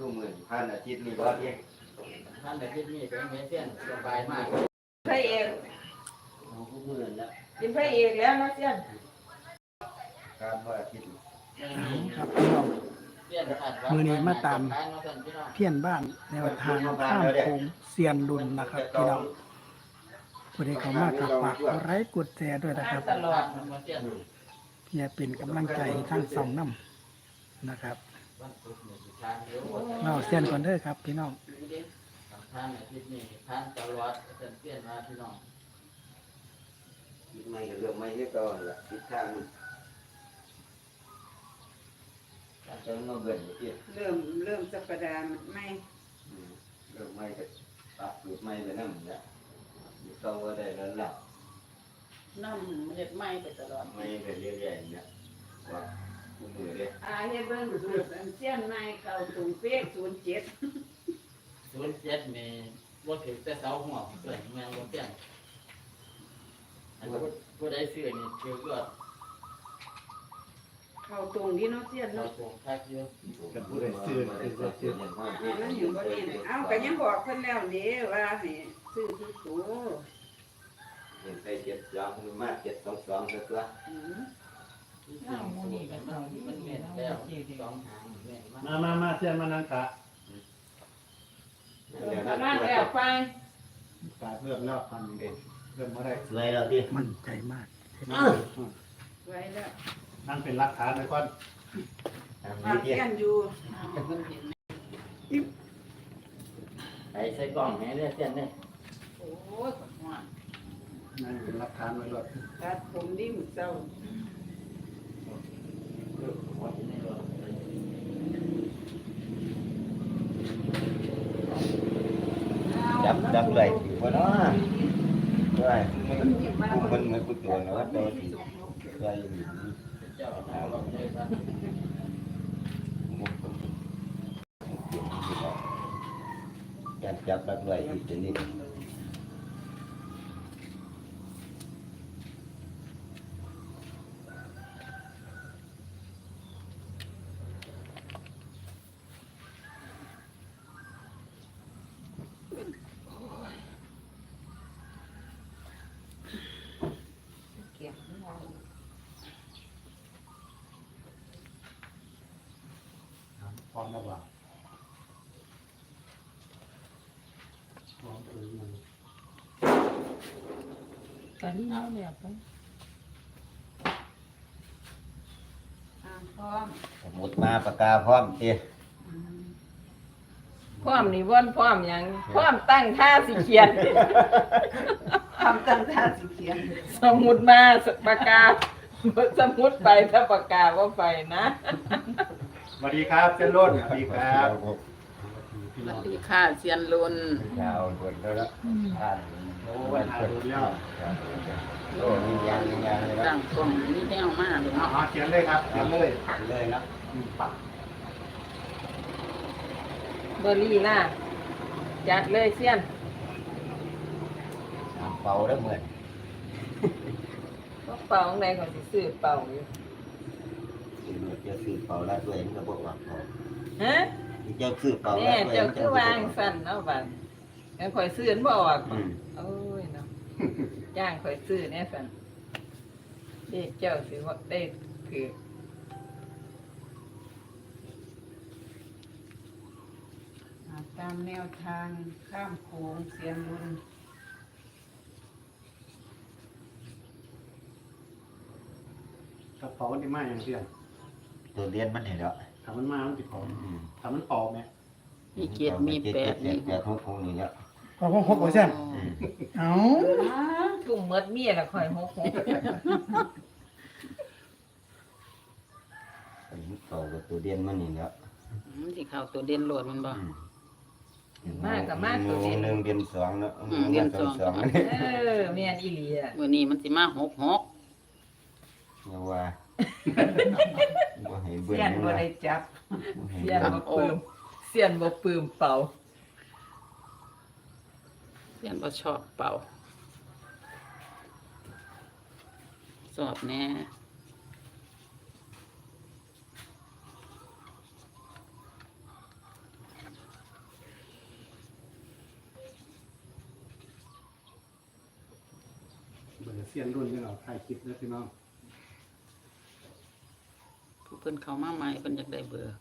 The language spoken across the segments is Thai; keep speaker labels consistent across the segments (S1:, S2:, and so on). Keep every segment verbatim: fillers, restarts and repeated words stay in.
S1: ดูเหมือนพันอาทิตย์นี่บ่เองพันอาทิตย์นี่เป็นไงเส้นสบายมาก
S2: พระเอก
S1: เอาผู้เหมือนแล้ว
S2: กินพระเอกแล้วนะเสี้ยน
S1: การว่าอาทิตย์
S3: ครับพี่น้องมือนี้มาตามเพี้ยนบ้านแนวทางข้ามโค้งเซียนดุลนะครับพี่น้องผู้ใดเข้ามากับฝากกดไลค์กดแชร์ด้วยนะครับ
S2: ตลอด
S3: เพื่อเป็นกำลังใจทั้งสองน้ำนะครับเราเซียนก่อนเด้อครับพี่น้อง
S1: ทางอาทิตย์นี้ทางตลอดเส้นเปลี่ยนมาพี่น้องไม่ก็เรื่องไม่ให้ก่อนละทิศทางจะมาเบิ่นอีก
S2: เริ่มเริ่มสัปดาห์ไม่
S1: เริ่มไม่ก็ตัดสูตรไม่ไปนั่นแหละอยู่ต้องว่าได้แล้วล่ะ
S2: น้ำเห็ดไหม้ไปตลอด
S1: ไม่ไปเรื่อยๆเนี่ยว่าคู่มือเลย
S2: อาเฮ็ดเบิ่งสูตรเสี้ยนไม้เก่าตุงเป๊กศูนย์เจ็ด
S1: ศูนย์เจ็ดมีบ่ถึงแต่เสาหัวเกิดแมงบ่เปลี่ยนอันนี้ผู้ใดซื้อนี่เกี่ยวกับ
S2: เข้าตรงที่เนาะเสี้ยนเนาะ
S1: คักอยู่
S3: กับผู้ใดซื้อซื้อซื้อ
S2: มันอยู่บ่นี่เอ้าก็ยังบอกเพิ่นแล้วนี่ว่าให้ซื้อซื้อตัว
S1: เห็นไปเจ็ดสองมันมาเจ็ดสองสองตัวอือน้ำมูนี่กันมันแม่นแล้วสองหางแม่น
S3: มา มามาเสี้ยนมานั่งกะ
S2: นั่งแล้วไป
S3: กะเริ่มแล้วพันเองเริ่มมาได้
S1: สวยแล้วดิ
S3: มั่นใจมาก
S2: สวยแล้ว
S3: นั่งเป็นหลักฐานเลยก่อน
S2: ปากเสี้ยนอยู่
S1: ไอ้ใส่กล่องให้ได้เสี้ยนได้
S2: โอ้ยขอนว่า
S3: นั่งเป็นหลักฐานไว้ด้วย
S2: ตัดผมดิ้มเศร้า
S1: จับจับเลยอยู่บนนั้นด้วยมันมันเหมือนกุตัวนะว่าตัวที่เคยอยู่จับจับจับเลยอยู่ที่นี่
S3: พร้อมแล้วว่าพร้อมเลยมัน
S2: ตอนนี้เอาแล้วไปอ่าพร้อม
S1: หมดมาปากกาพร้อมที
S2: พร้อมนี่ว่นพร้อมยังพร้อมตั้งท่าสิเขียนพร้อมตั้งท่าสิเขียนสมุดมาปากกาสมุดไปถ้าปากกาก็ไปนะ
S3: สวัสดีครับเซียนรุ่นสวัสดีครับ
S2: สวัสดีค่ะเซียนรุ่น
S1: ยาวด่วนแล้วละ
S3: อ่านโอ้ยอ่านดูแล้ว
S1: โอ้ยยังยังเลยนะ
S2: ตั้งกล้องนี่แนวมากเลยเนาะ
S3: เขียนเลยครับเขียนเลย
S1: เลยนะปัก
S2: เบอร์รี่ล่ะจัดเลยเซียน
S1: เป่าได้เหมือน
S2: ก็เป่าในของซื้อเป่าอยู่
S1: จะซื้อเป่าแล้วตัวเองก็บอกว่าเป่า
S2: ฮะ
S1: จะซื้อเป่า
S2: เนี่ยเจ้าคือวางสั่นเนาะบ้านงั้นข่อยซื้อบ่ออกโอ้ยเนาะย่างข่อยซื้อเนี่ยสั่นเด็กเจ้าสิว่าได้คือตามแนวทางข้ามโขงเซียนรุ่น
S3: กระเป๋ามันได้มาอย่างเดียว
S1: ตัวเรียนมันเห็นแล้ว
S3: ทำมันมามันติดของทำมันปอกไหม
S2: มีเกียรติมีแปด
S1: นี่แปดหกหกนี่แล้ว
S3: พอหกหกเปอร์เซ็นต์เอา
S2: ถุงเมดเมียละคอยหกหก
S1: เขาตัวเรียนมันนี่แล้ว
S2: ที่เขาตัวเด่นโหลดมันบ่มากกับมาก
S1: ตัวเรียนหนึ่งเรียนสองเนาะ
S2: เรียนสองสองเออเมียนอีหลีอ่ะวันนี้มันสิมาหกหก
S1: เนาะว่า
S2: เสียนบ่ได้จับเสียนบ่ปืมเสียนบ่ปืมเป่าเสียนบ่ชอบเป่าสอบแน่
S3: เสียนรุ่นนี่เราถ่ายคลิปแล้วพี่น้อง
S2: ผู้เพิ่นเข้ามาใหม่เพิ่นอยากได้เบอร์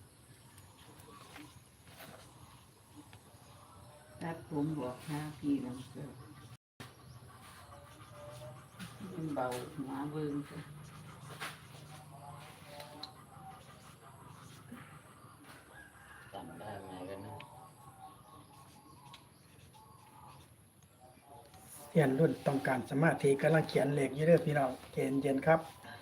S2: ตัดผมบอกหาพี่น้ำเสือมันเบาหัวเบิ่งจ้ะจำได้ไหมกันนะ
S3: เสียนรุ่นต้องการสมาธิกำลังเขียนเลขอยู่เด้อพี่น้องเย็นเย็นๆครับ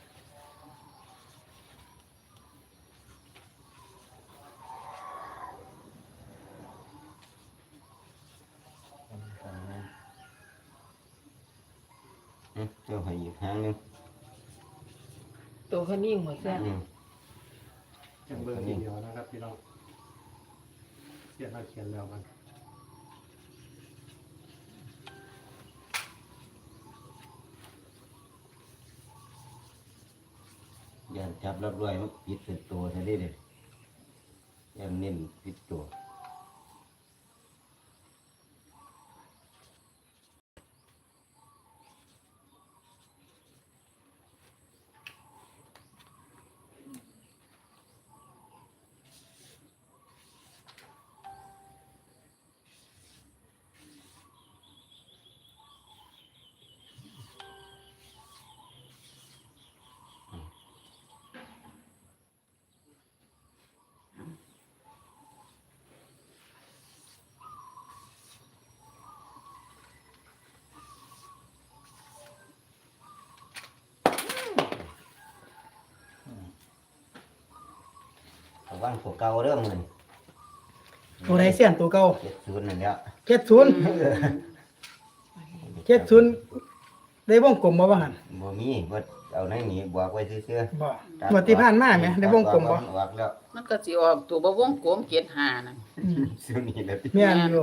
S1: เจ้าให้อีกครั้งนึง
S2: ตัวเขานิ่งหมดแล้ว
S3: จังเบอร์ทีเดียวนะครับพี่น้องเสียนเราเขียนแล้วมัน
S1: อย่าจับรับรวยมันปิดเป็นตัวซะดิเด้อย่าเน้นปิดตัวระวังตัวเก่าเด้อมื้อนี้
S3: ตัวไหนเสียนตัวเก่า
S1: เจ็ดศูนย์นั่นแหละ
S3: เจ็ดศูนย์เจ็ดศูนย์ได้วงกลมบ่ว่าหั่น
S1: บ่มีบ่เอาในนี้บอกไว้ซื่อ
S3: บ่
S1: ๆ
S3: งวดที่ผ่านมาแหมได้วงกลมบ่
S1: ออกแล้ว
S2: มันก็สิออกตัวบ่วงกลมเกียรติหานั่น
S3: อืม
S1: ซื้อนี่แหละติ
S3: แม่นอยู่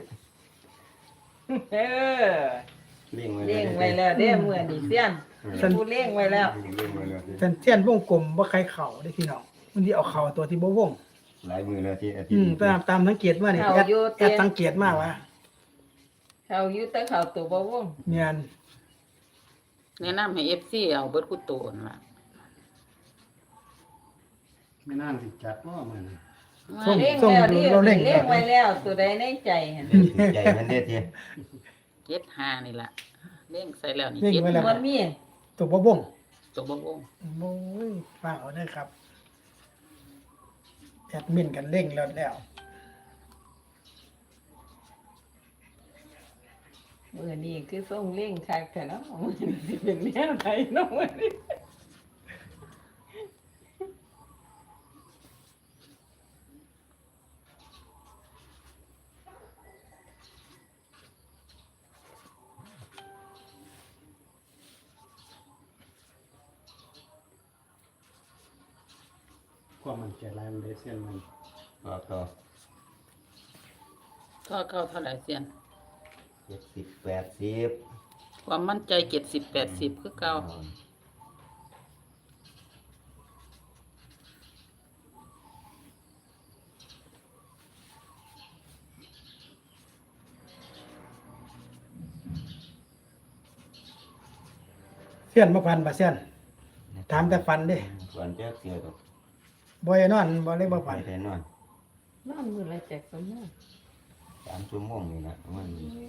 S2: เออ
S1: เลี้ยงไว้
S2: เลี้ยงไว้แล้วเด้อมื้อนี้เสียนผู้เลี้ยงไว้แล้ว
S1: เลี้ยงไว้แล้วติ
S3: เส้นเสียนวงกลมบ่ใครเข่าได้พี่น้องมันสิเอาเข่าตัวที่บ่วง
S1: หลายมื้อแล้วที่อาทิต
S3: อืม
S1: ย์
S3: ตามตามสังเกตว่านี่
S2: เอา
S3: แอด
S2: อยู่
S3: แอ
S2: เตี้
S3: ด
S2: ย
S3: สังเกตมาว่า
S2: เขาอยู่แต่เขาตัวบ่วง
S3: แม่น
S2: แนะนำให้ เอฟ ซี เอาเบิดกูโตนล่ะ
S3: ไม่น่าสิจัดว่ามัน
S2: มาเลี้ยงแล้วดิเลี้ยงไว้แล้วตัวใดในใจหั่น
S1: ใจมันเด้อติ
S2: เจ็ดหานี่ล่ะเลี้ยงใส่แล้วนี่
S3: เลี้ยง
S2: เจ็ด
S3: ไว้แล้ว
S2: บ่มี
S3: ตัวบ่วง
S2: ตัวบ่วง
S3: โอ้ยฟังเอาเด้อครับแอดมินกันเร่งแล้วแล้ว
S2: มื้อนี้คือส่งเลี้ยงคักแท้เนาะมื้อนี้สิเป็นแนวใดเนาะมื้อนี้
S3: ความมันใจลายมันได้เส้นมัน
S1: ออกต่อ
S2: ก็เข้าเท่าไหร่เสียน
S1: เจ็ดสิบ แปดสิบ
S2: ความมั่นใจเจ็ดสิบ แปดสิบคือเก่า
S3: เส้นบ่พันบ่เส้นถามแต่ฟันเด้
S1: ส่วนเจ้าเสียดอก
S3: บ่ได้นอนบ่ได้บ่
S1: ไป
S3: พัน
S1: แต่นอน
S2: นอนมื้อละจักซั่นเนาะ
S1: สามชั่วโมงนี่นะมัน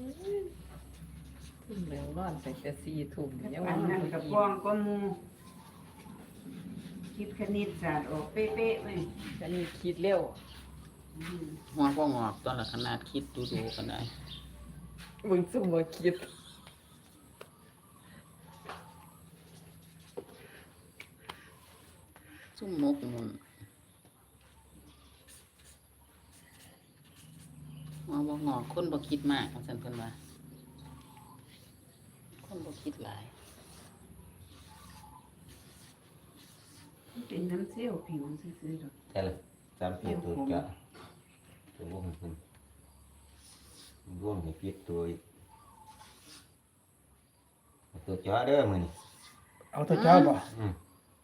S2: ทุ่มแล้วนอนไปแต่สี่ทุ่มยัง
S4: อั
S2: ว่าน น
S4: นั้น
S2: กั
S4: กั
S2: บบ ก
S4: กองก็มูคิดคณิตศาสตร์ออกเป๊ะๆเลย
S2: อันนี้คิดเร็ว
S4: อืม
S2: หัวบ่งอกตอนละขนาดคิดดูๆกันได้เบิ่งซุ่มบ่คิด ซุ่มหมกมุ่นหัวบ่งอกคนบ่คิดมากว่าซั่นเพิ่นว่าคนบ่คิดหลาย
S4: เป็นน้ำเซี่ยวผิวซื่อๆหรอก
S1: ใช่เลยสามปีตัวจะตัววงมันวงให้ปิดตัวอีกเอาตัวจ้าเด้อมื้อนี้
S3: เอาตัวจ้อบ่
S1: อืม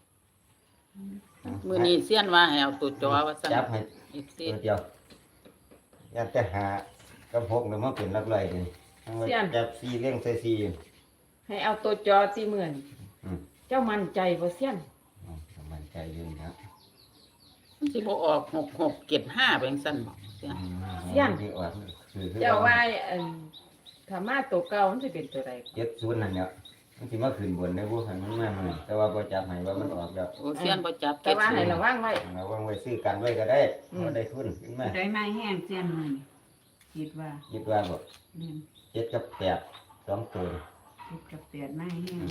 S2: มื้อนี้เซียนว่าให้เอาตัวจอว่าซั่น
S1: จับให้
S2: อีกสิ
S1: ตัวเดียวอยากจะหากับพกแล้วมาเป็นหลักร้อยเลยทั้งว่าจับสี่เลี้ยงใส่สี่
S2: ให้ให้เอาตัวจอที่เหมือน
S1: อืม
S2: เจ้ามั่นใจบ่เสี้ยน
S1: อ๋อมันใจยืนครับ
S5: มันสิบ่ออกหกหกเจ็ดห้าแบงซั่นบ่เสีย
S1: ที่ออกคือ
S2: เจ้าว่าอันถ้ามาตัวเก่ามันสิเป็นตัวใด
S1: เจ็ดศูนย์นั่นเนี่ยมันสิมาขึ้นบนได้บ่คันมันมามันแต่ว่าบ่จับให้ว่ามันออกแล้ว
S5: โอ้เสียนบ่จับ
S2: แต่ว่าให้ระวังไว้
S1: เราวางไว้ซื้อกันไว้ก็ได้
S2: อืม
S1: บ่ได้ทุนขึ้นมา
S4: ได้ไม้แห้งเสียนมันคิดว่า
S1: คิดว่าบ่
S4: เนี่ย
S1: เจ็ดกับแปดสองตัว
S4: คิดกับแปดไม้แห้ง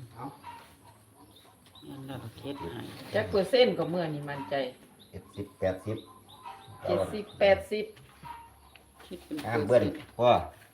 S5: นั่นแล้วก็เฮ็ดให้
S2: จักเปอร์เซ็นต์ก็เมื่อนี่มั่นใจ
S1: เจ็ดสิบแปดสิบ
S2: เจ็ดสิบแปดสิบ
S5: คิดเป็น
S1: ห้ามเบิ้ลพ่อ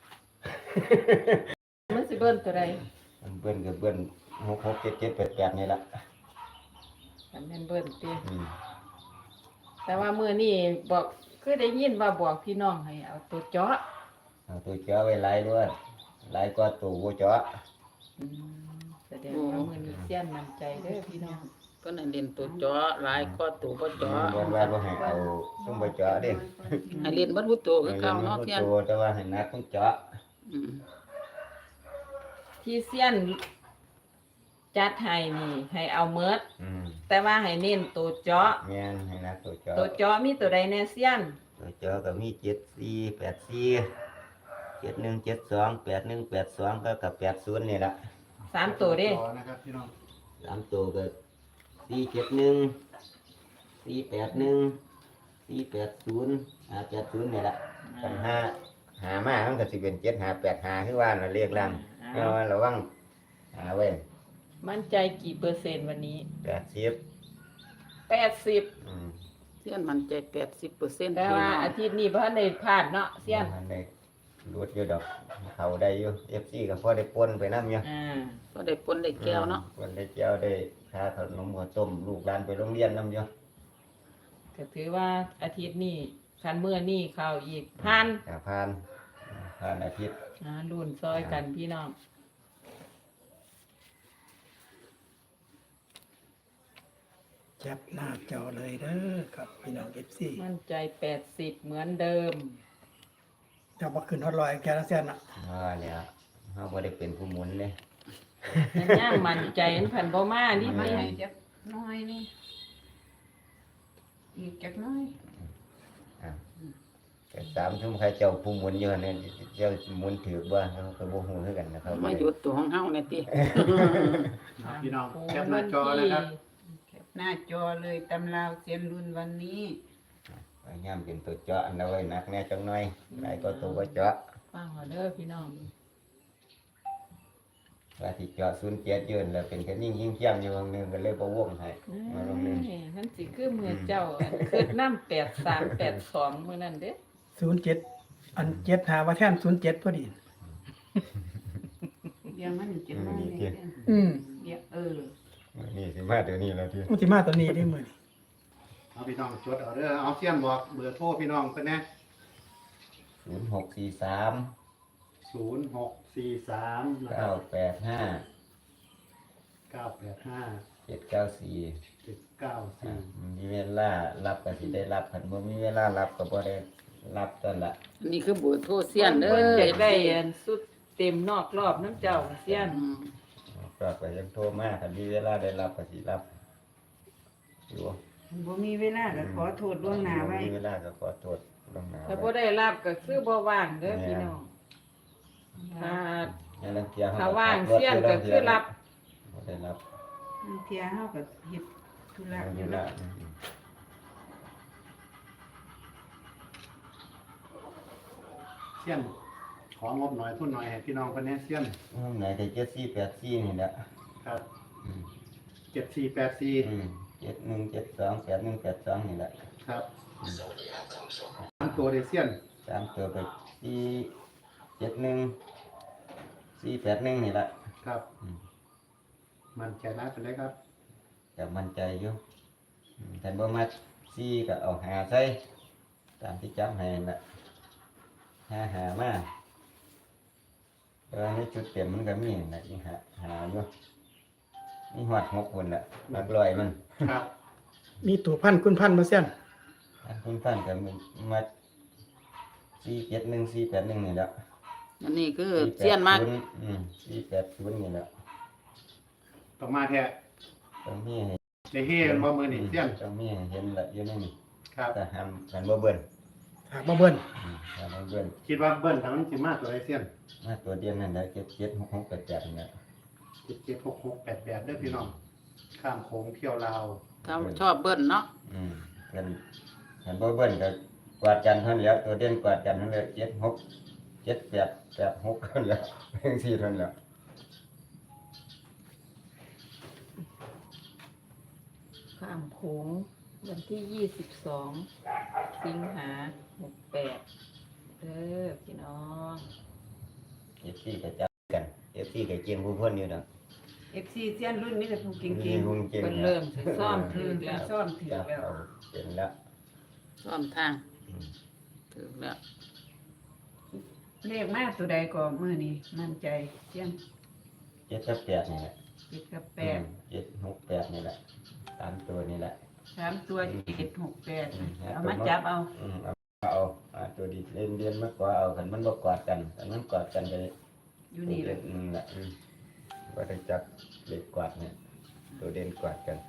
S2: มันสิเบิ้ลตัวใด
S1: มันเบิ้ลกับเบิ้ลหกหกเจ็ดเจ็ดแปดแปดนี่ละ
S2: อันนั้นเบิ้ลติ
S1: อืม
S2: แต่ว่ามื้อนี้บอกคือได้ยินว่าบอกพี่น้องให้เอาตัวเจาะ
S1: เอาตัวเจาะไว้หลายด้วยหลายก็ตัวบ่เจาะ
S2: อืมแสดงว่ามื้อนี้เสี้ยนมั่นใจเด้อพี่น้อง
S5: เพิ่นให้เล่นตัวเจาะหลายก็ตัวบ่เจาะ
S1: บ่ว่าบ่ให้เอาซุ่มบ่เจาะเด้
S5: ให้เล่นเบ่ทุกตัวคือเก่าเนาะเสียน
S1: ตัวแต่ว่าให้นักต้องเจาะ
S5: อืม
S2: ที่เสี้ยนจัดให้นี่ให้เอาเมิด
S1: อืม
S2: แต่ว่าให้เน้นตัวเจาะ
S1: แม่นให้นักตัวเจาะ
S2: ตัวเจาะมีตัวใดแน่เสี้ยน
S1: ตัวเจาะก็มีเจ็ดสี่แปดสี่เจ็ดหนึ่งเจ็ดสองแปดหนึ่งแปดสองก็กับแปดศูนย์นี่ละ
S2: สามตัวเด้
S3: นะครับพี่น้อง
S1: สามตัวก็สี่เจ็ดหนึ่งสี่แปดหนึ่งสี่แปดศูนย์ห้าแปดศูนย์นี่แหละกันห้าหามามันก็สิเป็นเจ็ดหาแปดหาคือว่าเราเรียกล่างเราระวังหาไว้
S2: มั่นใจกี่เปอร์เซ็นต์วันนี้
S1: แปดสิบ
S2: แปดสิบ
S1: อืม
S5: เสียนมั่นใจแปดสิบเปอร์เซ็นต์
S2: แต่ว่าอาทิตย์นี้เพราะในพลาดเนาะเสี้ยน
S1: มันได้รูดอยู่ดอกเขาได้อยู่เอฟซีก็พอได้ปนไปน้ำอยู่
S2: อ่า
S5: ก็ได้ปนได้แก้วเนาะ
S1: ปนได้แก้วได้ค่าขนมข้าวต้มลูกหลานไปโรงเรียนน้ำอยู่
S2: ก็ถือว่าอาทิตย์นี้คันเมื่อนี้เข้าอีกพัน
S1: หาพานพานอาทิตย์
S2: อ่ารุ่นซอยกันพี่น้อง
S3: แคปหน้าจอเลยเด้อครับพี่น้อง เอฟ ซี
S2: มั่นใจแปดสิบเหมือนเดิม
S3: จะบ่ขึ้นฮอดร้อยแกละแสนน่ะ
S1: ว่าแล้วเขาบ่ได้เป็นผู้หมุนเลย
S2: แต่ย่างมั่นใจอันพันบ่มานี่
S4: ไม่
S2: พี่
S4: ให้จักน้อยนี่อีกจักน้อย
S1: อ่ะแต่สามทุ่มใครเจ้าผู้หมุนเยอะเนี่ยเจ้าหมุนถือบ่เขาก็บ่ฮู้คือกันนะครับ
S5: มาหยุดตัวของเฮาเนี่ยติ
S3: พี่น้อง
S2: โอ้
S3: แคปหน้าจอนะครับ
S4: แคปหน้าจอเลยตำราวเสียนรุ่นวันนี้
S1: พยายามเป็นตัวเจาะอันเอาไว้หนักแน่จังหน่อยหลายก็ตัวบ่เจาะ
S2: ฟังเอาเด้อพี่น้อง
S1: ว่าที่เจาะศูนย์เจ็ดยืนแล้วเป็นแค่นิ่งยิ่งเทียมอยู่วงหนึงก็เลยบ่วงให้มาลงหนึง
S2: นี่นั่นสิคือมือเจ้าอันคือน้ำแปดสามแปดสองมื้อนั้นเด้อ
S3: ศูนย์เจ็ดอันเจ็ดหาว่าแท่นศูนย์เจ็ดพอดี
S4: เดี๋ยวมันจะมาเลยเด้อ
S3: อืม
S4: เดี๋ยวเออ
S1: นี่สิมาเดี๋ยวนี้แล้วที่
S3: มันสิมาตัวนี้ได้มื้อนี้
S6: เอาพี่น้องจดเอาเด้อเอาเสี้ยนบอกเบอร์โทรพี่น้องเพิ่นนะ
S1: ศูนย์หกสี่สาม
S6: ศูนย์หกสี่สามนะค
S1: เก้า
S6: รับ
S1: แปดห้า
S6: เก้าแปดห้า
S1: เจ็ดเก้าสี่
S6: เจ็ดเก้า
S1: อ่า
S6: สี่
S1: มีเวลารับก็สิได้รับคันบ่มีเวลารับก็บ่ได้รับตอนละ
S5: อันนี้คือเบอร์โทรเสียนเด้อ
S2: พิ่จะได้อันสุดเต็มนอกรอบน้ำเจ้าเสี้ยน
S5: อืม
S1: ก็ไปยังโทรมาคันมีเวลาได้รับก็สิรับอยู่
S4: บ่มีเวลาก็ขอโทษล่วงหน้าไว้
S1: มีเวลาก็ขอโทษล่วงหน้า
S2: ถ้าบ่
S1: ไว้
S2: ได้รับก็คือบ่ว่างเด้อพี่น้องถ้า
S1: อย่าลังเกียจเข
S2: ถ้าว่างเสี้ยนก็คือรับ
S1: บ่ได้รับ
S4: บางเที่ยเฮาก็เฮ็ดธุระอ
S1: มี
S4: ยู่
S1: เว
S4: แล้
S1: ลาว
S6: เสี้ยนของงบหน่อยทุนหน่อยให้พี่น้องเพิ่นนะเสี้ยน
S1: อืมไหนได้เจ็ดสี่แปดสี่นี่แหละ
S6: ครับ
S1: อืม
S6: เจ็ดสี่แปดสี่
S1: อืมเจ็ดหนึ่งเจ็ดสองแปดหนึ่งแปดสองนี่แหละ
S6: ครับสามตัวเดเสี้ยน
S1: สามตัวไปสี่เจ็ดหนึ่งสี่แปดหนึ่งนี่แหละ
S6: ครับ
S1: อืม
S6: มันใจร้ายเป็นไรครับ
S1: จะมั่นใจอยู่อืมแต่บ่มาสี่ก็เอาหาใส่ตามที่จำให้นั่นละหาหามาเออนี่จุดเต็มมันก็มีนั่นนะนี่หาหาอยู่นี่หอดหกคนละหลักลอยมัน
S6: ครับ
S3: มีตัวพันคุณพันมาเสียน
S1: อันคุณท่านก็มีมาสี่เจ็ดหนึ่งสี่แปดหนึ่งนี่แหละ
S5: อันนี้คือเสี้ยนมาก
S1: อืมสี่แปดศูนย์นี่แหละ
S6: ต้องมาแท้
S1: ตรงนี้ให้
S6: ได้เฮ็ดบ่มื้อนี้เสี้ยน
S1: ตรงนี้ให้เห็นละอยู่ในนี่
S6: ครับ
S1: แต่ห้ามกันบ่เบิ่น
S3: หากบ่เบิ้น
S1: อืมห้ามบ่เบิ่น
S6: คิดว่าเบิ้ลทางนั้นสิมาตัวใดเสี้ยน
S1: มาตัวเดียวนั่นแหละเจ็ดเจ็ดหกหกแปดแปดนี่แหละ
S6: เจ็ดเจ็ดหกหกแปดแปดเด้อพี่น้องข้ามโขงเที่ยวลาว
S5: ถ้าชอบเบิ้ลเนาะ
S1: อืมกันกันบ่เบิ่นก็กวาดกันเท่านั้นแหล้วตัวเด่นกวาดกันเท่านั้นแหละเจ็ดหกเจ็ดแปดแปดหกเท่านั้นแหล้วเพียงสี่เท่านั้นแหล้ว
S2: ข้ามโขงวันที่ยี่สิบสองสิงหาหกแปดเด้อพี่น้อง
S1: เอฟซีก็จับกันเอฟซีก็เก่งผู้เพิ่นอยู่ดอก
S4: เอฟซีเซียนรุ่นนี้แต่ผู้เก่
S1: มี
S4: ง
S1: ผู้เก่ง
S2: เป็น
S1: นะ
S2: เริ่มสิซ่อม
S4: ๆ
S2: ถื
S4: คือ อ
S2: แล้ว
S4: ซ่อมถือ
S1: จับ
S4: แล้ว
S1: เอาเป็นแล้ว
S5: ซ่อมทาง
S1: อืม
S5: ถึงแล้ว
S4: เลขมากตัวใดก็มื้อนี้มั่นใจเซียน
S1: เจ็ดกับแปดนี่แหละ
S4: เจ็ดกับแป
S1: อื
S4: ด
S1: มเจ็ดหกแปดนี่แหละสามตัวนี่แหละ
S4: สามตัวเจ็ดหกแปด
S1: อืม
S4: เอามาจับเอา
S1: อืมเอาเอาเอาตัวดีเล่นเรียนมากกว่าเอาคันมันบ่กอดกันคันมันกอดกันก็
S4: อยู่นี่แหละ
S1: อืมแหละอืมก็ได้จับเล็กกวาดเนี่ยตัวเด่นกวาดกัน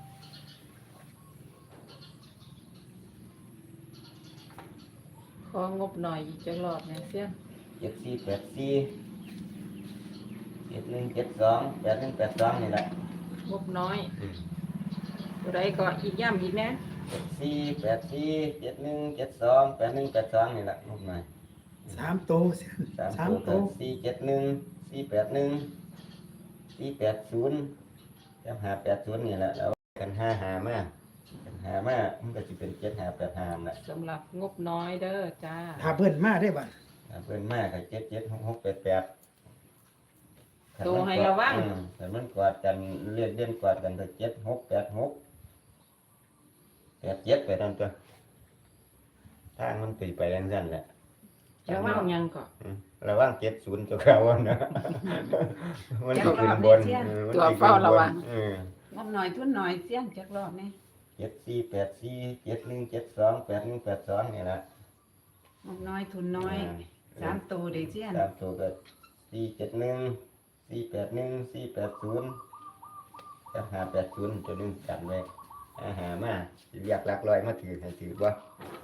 S2: ของบหน่อยอีกจักรอบเนี่ยเสี้ยน
S1: เจ็ดสี่แปดสี่เจ็ดหนึ่งเจ็ดสองแปดหนึ่งแปดสองนี่แหละ
S2: งบน้อยตัวใดก็อีกย่ำอีกนะ
S1: เจ็ดสี่แปดสี่เจ็ดหนึ่งเจ็ดสองแปดหนึ่งแปดสองนี่แหละลูกหน่อย
S3: สามตัวเสี้ยน
S1: สาม
S3: สาม
S1: ตัว
S3: ตั
S1: ก็
S3: ว
S1: สี่เจ็ดหนึ่งสี่แปดหนึ่งสี่แปดศูนย์จำหาแปดศูนย์นี่แหละแล้วกันห้าหามากันหามามันก็จะเป็นเจ็ดหาแปดหาแหละ
S2: สำหรับงบน้อยเด้อจ้า
S3: ถ้าเบิ้นมาได้บัด
S1: ถ้าเพิ่นมากก็เจ็ดเจ็ดหกหกแปดแปด
S2: โตให้ระวัง
S1: อืมแต่มันกวาดกันเรียนเรียนกวาดกันก็เจ็ดหกแปดหกแปดเจ็ดไปนั่นตัวทางมันตีไปนั่นนั่นแหละ
S2: จะว่างยังก่อน
S1: อืมระวังเจ็ดศูนย์ตัวเขาวนะ มันสิขึ้นบนเออมัน
S5: ตัว
S1: สิขึ้น
S5: เฝ้า
S1: บ
S5: ระ
S1: น
S5: วัง
S1: เออ
S4: งบหน่อยทุนหน่อยเซียนจักรอบนี่
S1: เจ็ดสี่แปดสี่เจ็ดหนึ่งเจ็ดสองแปดหนึ่งแปดสองนี่แหละ
S4: งบน้อยทุนน้อยสามตัวเด้เซียน
S1: สามตัวก็สี่เจ็ดหนึ่งสี่แปดหนึ่งสี่แปดศูนย์จะหาแปดศูนย์ตัวหนึงจัดไว้อาหามาสิเรียกหลักร้อยมาถือให้ถือบ่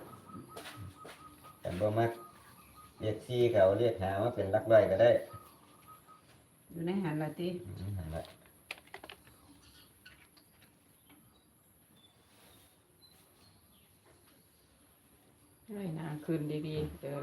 S1: แต่บ่มักเรียกสี่เขาเรียกหามาเป็นหลักร้อยก็ได้
S4: อยู่ในหันละติ
S1: อืมนั่นแหละ
S2: ให้หนาคืนดีๆเด้อ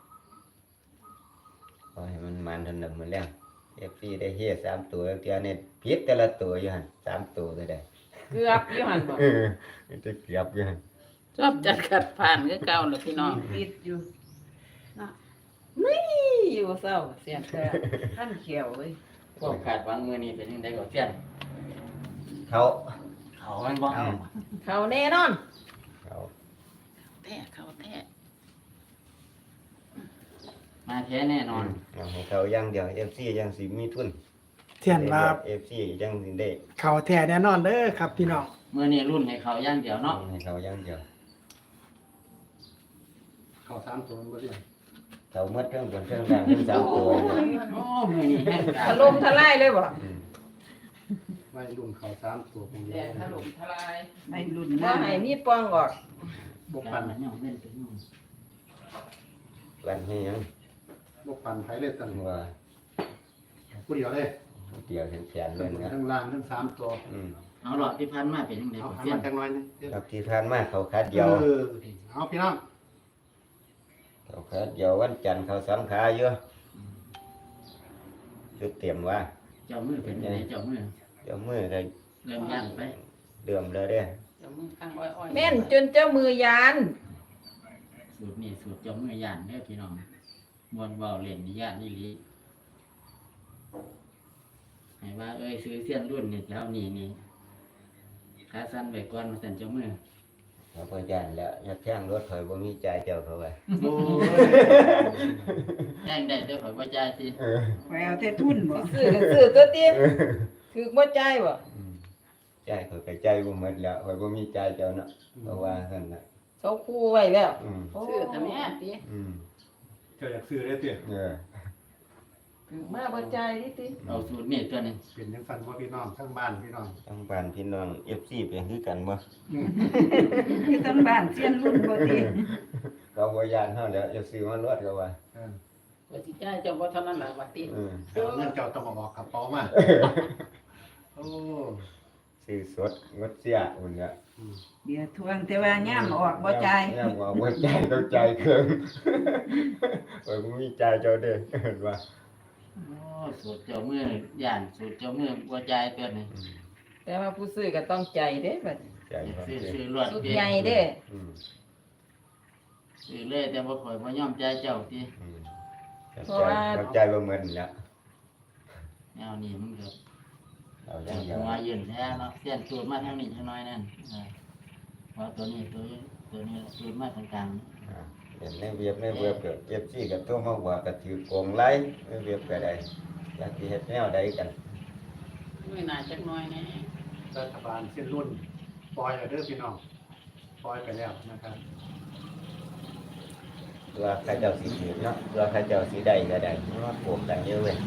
S1: ขอให้มันมันเทันหนึ่งมันแล้วเอฟซีได้เฮ็ดสามตัวเทียนี่ผิดแต่ละตัวอยู่หั่นสามตัวก็ได้
S2: เกือบอยู่หันบ่
S1: เออมันจะเกือบอยู่หั่น
S5: ชอบจัดขัดผ่านก็เก่าเลยพี่น้อง
S4: ติดอยู่
S2: นี่อยู่เศร้าเสียน
S4: แต่ท่านเขียวเว้ย
S7: พวกขาดหวังมือนี้เป็นยังไงก็เสียน
S1: เขา
S7: เขามันบอก
S1: อืม
S2: เขาแน่นอน
S1: เขา
S5: แท้เขาแท้
S7: มาแท้แน่นอน
S1: เอาให้เขาอย่างเดียวเอฟซียังสิมีทุน
S3: เทียนว่า
S1: เอฟซียังสิได้
S3: เขาแท้แน่นอนเด้อครับพี่น้อง
S7: มือนี้รุ่นให้เขาย่างเดียวเนาะ
S1: ให้เขาอย่างเดียว
S6: เข้าสามตัวมันบ่เสี้ยน
S1: เขาเมื่อเครื่องบนเครื่องล่างทั้งสามตัว
S7: โอ้มือนี้แห้ง
S2: ถล่มทลายเลยบ่
S1: อืม
S6: ไม่รุ่นเข้าสามตัวผมเดี
S2: แด
S6: ยว
S2: งถล่มทลาย
S4: ในรุ่น
S2: ว่า
S4: นั้น
S2: ให้มีปองออก
S6: บก
S7: ปั
S6: ปั
S7: น
S6: น
S7: มันยังเล่นถึงนู่น
S1: วันนี้ยัง
S6: บกปันไผเลยตัน
S1: ว่า
S6: ผู้เดียวเลย
S1: เดียวเห็นแขนเลยนะ
S6: ทั้งล่างทั้งสามตัว
S1: อืม
S7: เอาหลอดที่พันมาเป็นยังไง
S6: เอา
S7: ก็
S6: หัน
S7: เสีย
S6: มาน จักหน่อยนึงเสี้ยน
S1: ครับที่ผ่านมาเขาคัดเดียว
S6: เออเอาพี่น้อง
S1: เขาคัดเดียววันจันทร์เขาสำขาอยู่จุดเตรียมว่า
S7: เจ้ามือเป็นยังไงเจ้ามือ
S1: เดี๋ยวมือก็
S7: เริ่มย่างไป
S1: เดือมเลยเด้อ
S5: เดี๋ยวมึงข้างอ้อยๆ
S2: แม่นจนเจ้ามือยาน
S7: สูตรนี้สูตรเจ้ามือย่านเด้อพี่น้องมวนเบาเล่นนี่ย่านนี่ลีให้ว่าเอ้ยซื้อเสี้ยนรุ่นนี่แล้วนี่นี่ขาสั้นไว้ก่อนมาสั่นเจ้ามือ
S1: เขาพยานแล้วยัดแท่งรถถอยบ่มีใจายเจ้าเขาไว้
S6: โอ้ย
S7: แย่งได้เด้อข่อยบ่จ่ายสิ
S1: เออ
S4: ไปเอาแต่ทุนบ่
S2: ซื้อก็ซื้อตัวติถือบ่จ่ายบ่
S1: อืมใจายเขาก็ใจายบ่หมดแล้วข่อยบ่มีใจายเจ้าเนาะเพราะว่าซั่นน่ะ
S2: เขาคู่ไว้แล้ว
S1: อืม
S2: โอ้
S5: ซื้อแต่แม่ติ
S1: อืม
S6: เจ้าอยากซื้อได้เตี้ย
S1: เออ
S2: คือมาบ่ใจายดิติ
S7: เอาสูตรนี้ตัวหนึง
S6: เป็นยังฟันว่าพี่น้องทั้งบ้านพี่น้อง
S1: ทั้งบ้านพี่น้อง เอฟ ซี เป็นคือกันบ่
S4: คือทั้งบ้านเสียนรุ่นบ่ติ
S1: เราบ่ยานเฮาแล้วจะซื้อมารวดก็ว่า
S6: เออ
S5: ว่าสิจ่ายเจ้าบ่เท่านั้นล่ะว่าติ
S1: อืม
S6: เอาเงินเจ้าต้องเอาออกกระเป๋ามาโอ้
S1: ซื้อสดงดเสียอุ่นก็
S6: อืม
S4: เดี๋ยวทวงแต่ว่าย่ามออกบ่จ่าย
S1: ย่ามออกบ่จ่ายต้องจ่ายเครื่องโอ้ยบ่มีจ่ายเจ้าเด้อเห็นว่า
S7: โอ้สูตรเจ้ามือย่านสูตรเจ้ามือบ่จ่ายตัวหนึง
S1: อืม
S2: แต่ว่าผู้ซื้อก็ต้องใจเด้บัด
S1: จ่ายบ่
S7: ซื้อ
S1: เด้อ
S7: ซื้อรวด
S2: สุด
S7: เดียว
S2: ใหญ่เด้
S1: อืม
S7: ซื้อเลยแต่บ่ข่อยบ่ยอมจ่ายเจ้าติ
S1: อืมจ่ายบ่จ่ายบ่เหมือนแล้ว
S7: แนวนี้มันก็
S1: เอาอ
S7: แต่
S1: ย่างเดียว
S7: หัวยืนแท้เนาะเสี้ยนสูตรมาทางนี้จังน้อยนั่นเออเพราะตัวนี้ตัวนี้ตัวนี้สูตรมาทางกลาง
S1: อ่าเห็นในเว็บในเว็บก็เอฟซีก็โทรมาว่าก็ถือโกงไลฟ์ในเว็บก็ได้อยากสิเฮ็ดแนวใดกัน
S5: ไม่น่าจักหน้อยแน่
S6: รัฐบาลเส้นรุ่นปล่อยแล้วเด้อพี่น้องปล่อยไปแล้วนะครับ
S1: เพื่อใครเจ้าสิถือเนาะเพื่อใครเจ้าสิได้ก็ได้เพราะว่าโกงกันเยอะเว้ย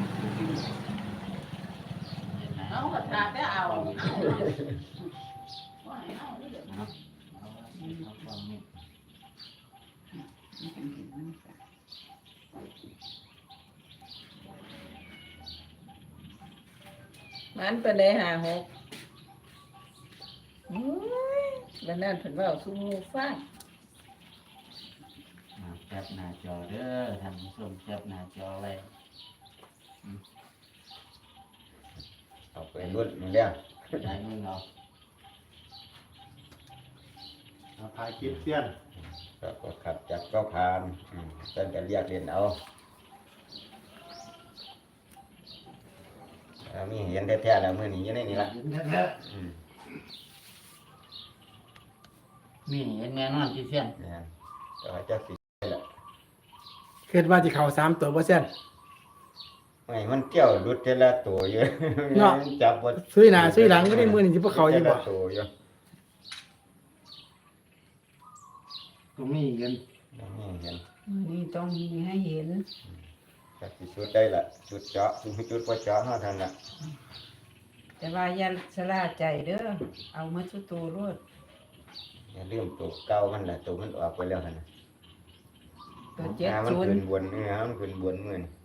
S5: เอาก็ทาแต่เอา
S7: เอา
S5: เอา
S7: เอา
S5: เอาเด้อ
S7: เอาเอาความนี้
S2: มันเป็นได้ห้าหกอุ้ยแล้วนั่นเพิ่นเว้าสู่หมู่ฟัง
S7: อ่าแคปหน้าจอเด้อท่านผู้ชมแคปหน้าจอไว้
S1: เอาไปรุ่นมันแล้ว
S7: ได้มือเรา
S6: เอาถ่ายคลิปเสี้ยน
S1: ก็ก็ขับจับก็ผ่านอืมเพิ่นก็เรียกเรียนเอาเอามีเห็นแท้ๆแล้วมื้อนี้อยู่ในนี่ล่ะ
S6: เห็นแท้
S1: อืม
S7: มีเห็นแน่นอนที่เสี้ยน
S1: เนี่ยก็ว่าเจ้าสิได้ล่ะ
S3: คิดว่าสิเข้าสามตัวบ่เสียน
S1: ไม่มันเกี่ยวรุดแต่ละตัวอยู่
S3: เนาะ
S1: มันจับบ่
S3: ซื้อหน้าซื้อหลังก็ได้มื้อนี้สิบ่เข้าอยู่บ่
S1: แต่ละตัวอยู่
S6: ๆตรงนี้เห็น
S1: นี่เห็น
S4: นี่ต้องมีให้เห็น
S1: ก็สิสุดได้ล่ะจุดเจาะจุดจุดบ่เจาะเฮาเท่านั้นล่ะ
S4: แต่ว่าอย่าสลาใจเด้อเอามาสุตูรวด
S1: อย่าลืมตัวเก่ามันล่ะตัวมันออกไปแล้วหั่นน่ะ
S4: ตัวเจ็ด
S1: หามัน
S4: ศูน
S1: ขึ้
S4: ย์
S1: นบนเนื้อมันขึ้นบนมื้อนี้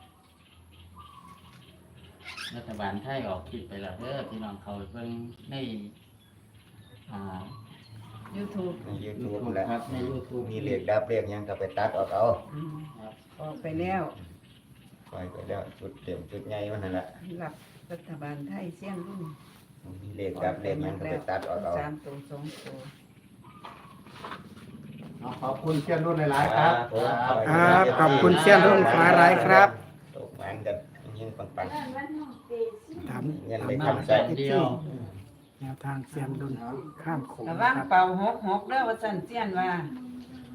S7: รัฐบาลไทยออกคลิปไปแล้วเด้อพี่น้องเขาไปเบิ่งในอ่า
S4: ยูทูบ
S1: ใน YouTube
S7: YouTube
S1: แหละ
S7: ครับใน YouTube
S1: มีเลขดับเลขหยังก็ไปตัดออกเอา
S7: ครับ
S4: ออกไปแล้ว
S1: ปล่อยไปแล้วจุดเต็มจุดใหญ่มันนั่นแหละ
S4: หลับรัฐบาลไทยเสี้ยนรุ่น
S1: มีเลขดับเลขหยังก็ไปตัดออกเอา
S4: สามตัวสองตัว
S6: เอาขอบคุณเสี้ยนรุ่นหลายๆครับ
S1: ผม
S3: ครับขอบคุณเสี้ยนรุ่นฟ้าร้ายครับ
S1: ตกมันกันยิงปังปัง
S3: ตาม
S1: เงิน
S3: ตาม
S1: ไป
S3: หน้า
S1: ทำ
S3: ใ
S1: ใส่
S7: เดียว
S3: แนวทางเสียนดุนข้ามโขง
S4: ระ
S3: นะ
S4: วัง
S3: ครับ
S4: เป่าหกหกเด้อว่าสั่นเสี้ยนว่า
S1: อ